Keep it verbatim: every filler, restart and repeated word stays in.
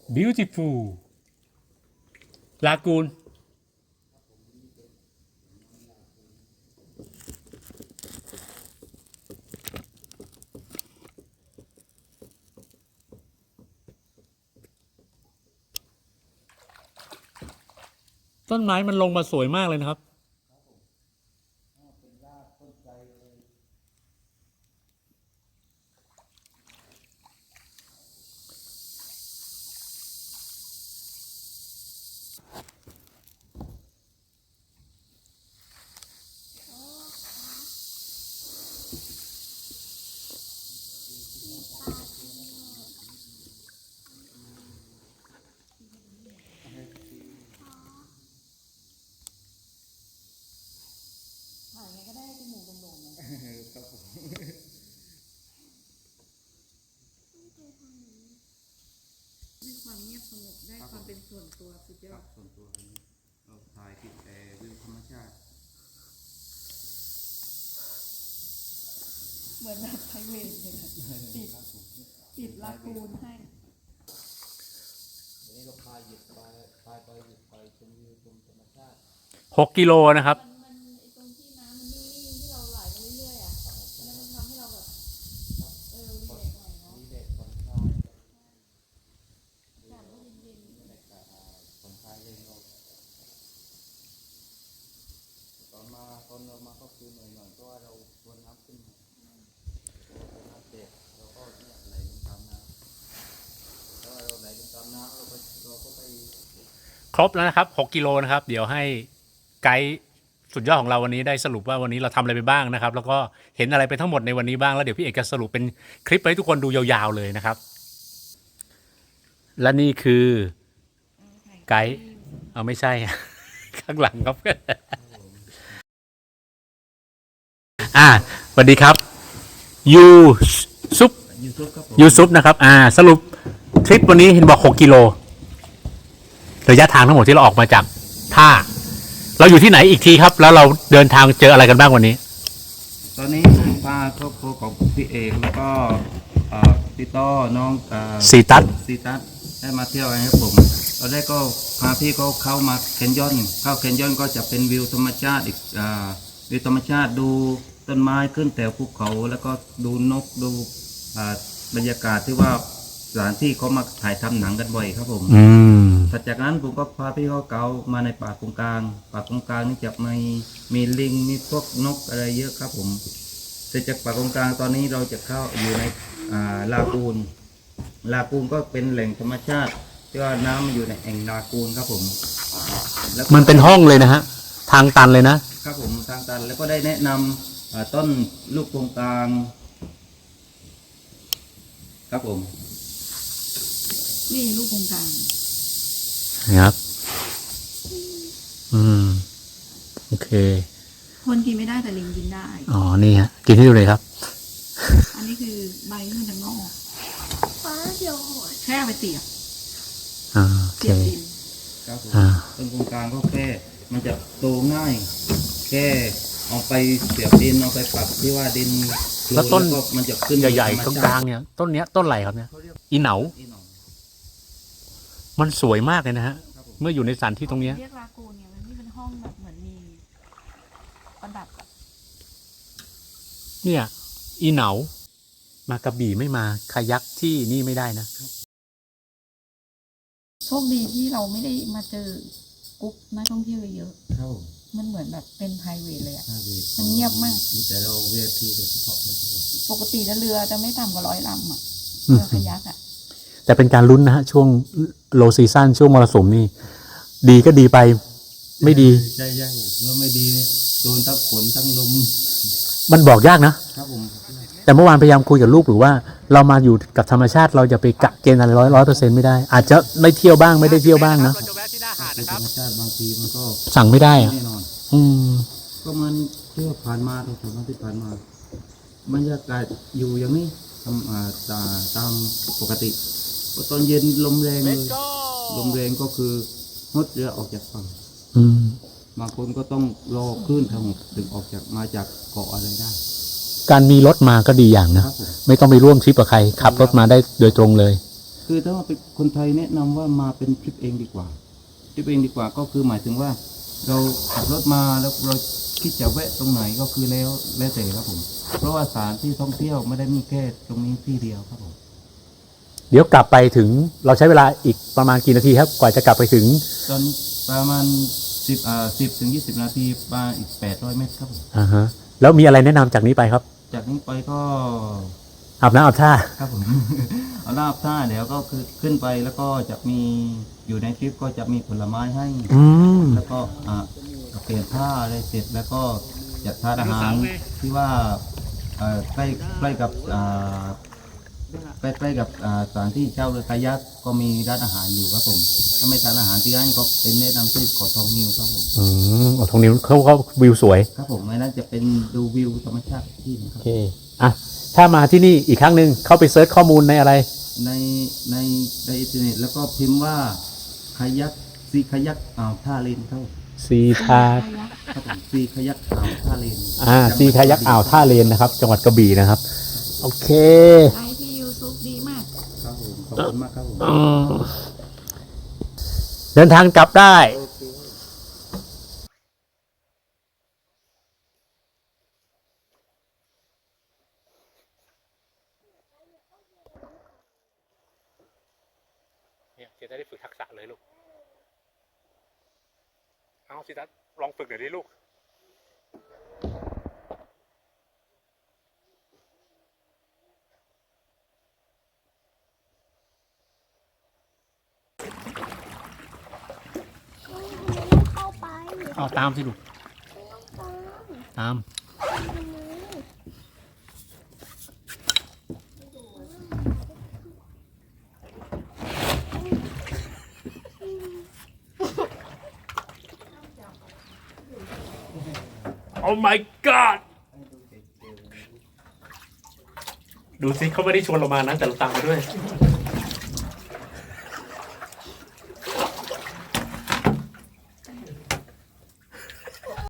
beautiful ลากูนต้นไม้มันลงมาสวยมากเลยนะครับถ่ายไงก็ได้จมูกโด่งๆเลยครับผมได้ความเงียบสงบได้ความเป็นส่วนตัวสุดยอดส่วนตัวนี้เราถ่ายติดแต่วิวธรรมชาติเหมือนแบบไพรเวทเลยติดติดลากูนให้วันนี้เราพาหยิบไปพาไปหยิบไปชมวิวชมธรรมชาติหกกิโลนะครับตอนมาตอนเรามาก็คือหน่อยหน่อยเพราะว่าเราชวนน้ำขึ้นมาน้ำเด็กเราก็เนี่ยไหลลงตามน้ำแล้วเราไหลลงตามน้ำเราก็เราก็ไปครบแล้วนะครับหกกิโลนะครับเดี๋ยวให้ไกด์สุดยอดของเราวันนี้ได้สรุปว่าวันนี้เราทำอะไรไปบ้างนะครับแล้วก็เห็นอะไรไปทั้งหมดในวันนี้บ้างแล้วเดี๋ยวพี่เอกจะสรุปเป็นคลิปให้ทุกคนดูยาวๆเลยนะครับและนี่คือไกด์เอาไม่ใช่ ข้างหลังครับ อ่าสวัสดีครับยูซุปยูซุปนะครับอ่าสรุปทริปวันนี้เห็นบอกหกกิโลระยะทางทั้งหมดที่เราออกมาจากท่าเราอยู่ที่ไหนอีกทีครับแล้วเราเดินทางเจออะไรกันบ้างวันนี้ตอนนี้ผมพาครอบครัวของพี่เอกแล้วก็พี่ต้อน้องซีตัสซีตัสได้มาเที่ยวกันครับผมตอนแรกก็พาพี่เขาเข้ามาแคนยอนเข้าแคนยอนก็จะเป็นวิวธรรมชาติอีกวิวธรรมชาติดูต้นไม้ขึ้นแต่ภูเขาแล้วก็ดูนกดูบรรยากาศที่ว่าสถานที่เขามาถ่ายทำหนังกันบ่อยครับผมถัดจากนั้นผมก็พาพี่เขาเกามาในป่าตรงกลางป่าตรงกลางนี่จะมีมีลิงมีพวกนกอะไรเยอะครับผมเสร็จจากป่าตรงกลางตอนนี้เราจะเข้าอยู่ในลากูนลากูนก็เป็นแหล่งธรรมชาติที่ว่าน้ำมันอยู่ในแอ่งลากูนครับผมมันเป็นห้องเลยนะฮะทางตันเลยนะครับผมทางตันแล้วก็ได้แนะนำต้นลูกตรงกลางครับผมนี่ลูกตรงกลางครับอืมโอเคคนกินไม่ได้แต่ลิงกินได้อ๋อนี่ฮะกินให้ดูเลยครับอันนี้คือใบมันจะงอกฟ้าเขียวโหดแค่ไปเสียบอ่าโอเคครับผมต้นตรงกลางก็แค่มันจะโตง่ายแค่เอาไปเสียบดินเอาไปปักที่ว่าดินแล้วต้นมันจะขึ้นใหญ่ๆตรงกลางเนี่ยต้นเนี้ยต้นอะไรครับเนี่ยอีเหนามันสวยมากเลยนะฮะเมื่ออยู่ในสถานที่ตรงนี้เรียกลากูนเนี่ยมันนี่เป็นห้องแบบเหมือนมีประดับเนี่ยอีเหนามากระบี่ไม่มาคายักที่นี่ไม่ได้นะโชคดีที่เราไม่ได้มาเจอกรุ๊ปนักท่องเที่ยวเยอะมันเหมือนแบบเป็นไพรเวทเลยอ่ะมันเงียบมากแต่เราเวทีโดยเฉพาะเลยปกติเรือจะไม่ต่ำกว่าร้อยลำอ่ะเรือคายักอ่ะแต่เป็นการลุ้นนะฮะช่วงโลซีซั่นช่วงมรสุมนี่ดีก็ดีไปไม่ดีใช่ใช่เมื่อไม่ดีโดนทั้งฝนทั้งลมมันบอกยากนะครับผมแต่เมื่อวานพยายามคุยกับลูกหรือว่าเรามาอยู่กับธรรมชาติเราจะไปกะเกณฑ์อะไรร้อยร้อยเปอร์เซ็นต์ไม่ได้อาจจะไม่เที่ยวบ้างไม่ได้เที่ยวบ้างนะธรรมชาติบางทีมันก็สั่งไม่ได้อะแน่นอนอืมก็มันเที่ยวผ่านมาตรงสองที่ผ่านมาบรรยากาศอยู่อย่างนี้ทำตาตามปกติตอนเย็นลมแรงเลยลมแรงก็คืองดเรือออกจากฝั่งบางคนก็ต้องรอคลื่นทางถึงออกจากมาจากเกาะอะไรได้การมีรถมาก็ดีอย่างนะไม่ต้องไปร่วมทริปกับใครขับรถมาได้โดยตรงเลยคือถ้าว่าเป็นคนไทยแนะนำว่ามาเป็นทริปเองดีกว่าทริปเองดีกว่าก็คือหมายถึงว่า เราขับรถมาแล้วเราคิดจะแวะตรงไหนก็คือแล้วแล้วแต่ครับผม เพราะว่าสถานที่ท่องเที่ยวไม่ได้มีแค่ตรงนี้ที่เดียวครับผมเดี๋ยวกลับไปถึงเราใช้เวลาอีกประมาณกี่นาทีครับกว่าจะกลับไปถึงตอนประมาณสิบอ่าสิบถึงยี่สิบนาทีมาอีกแปดร้อยเมตรครับผมอ่าฮะแล้วมีอะไรแนะนำจากนี้ไปครับจากนี้ไปก็อาบน้ำอาบท่าครับผม เอาลาบท่าเดี๋ยวก็คือขึ้นไปแล้วก็จะมีอยู่ในทริปก็จะมีผลไม้ให้อืมแล้วก็อ่าเปลี่ยนผ้าอะไรเสร็จแล้วก็จะทานอาหารที่ว่าเอ่อใกล้ใกล้กับอ่าใกล้ใกล้กับอ่าสถานที่เช่าเรือคายักก็มีร้านอาหารอยู่ครับผมถ้าไม่ทานอาหารที่ร้านก็เป็นแนะนำที่เกาะทองนิวครับผมอืมโอ้ตรงนี้เขาเขาวิวสวยครับผมไม่นั้นจะเป็นดูวิวธรรมชาติที่นะคโอรับเคอ่ะถ้ามาที่นี่อีกครั้งหนึ่งเข้าไปเซิร์ชข้อมูลในอะไรในในในอินเทอร์เน็ตแล้วก็พิมพ์ว่าคายักซีคายักอ่าวท่าเลนครับผมซีทาครับผมซีคายักอ่าวท่าเลนอ่าซีคายักอ่าวท่าเลนนะครับ จังหวัดกระบี่นะครับ โอเคไลฟ์ที่ยูทูบดีมากครับผมขอบคุณมากครับผมอืมเดินทางกลับได้ เนี่ยจะได้ฝึกทักษะเลยลูก เอาสิทัศลองฝึกหน่อยดิลูกเข้าไปเอาตามสิลูก ตาม โอ้ my god ดูสิเขาไม่ได้ชวนเรามานะแต่เราตามมาด้วย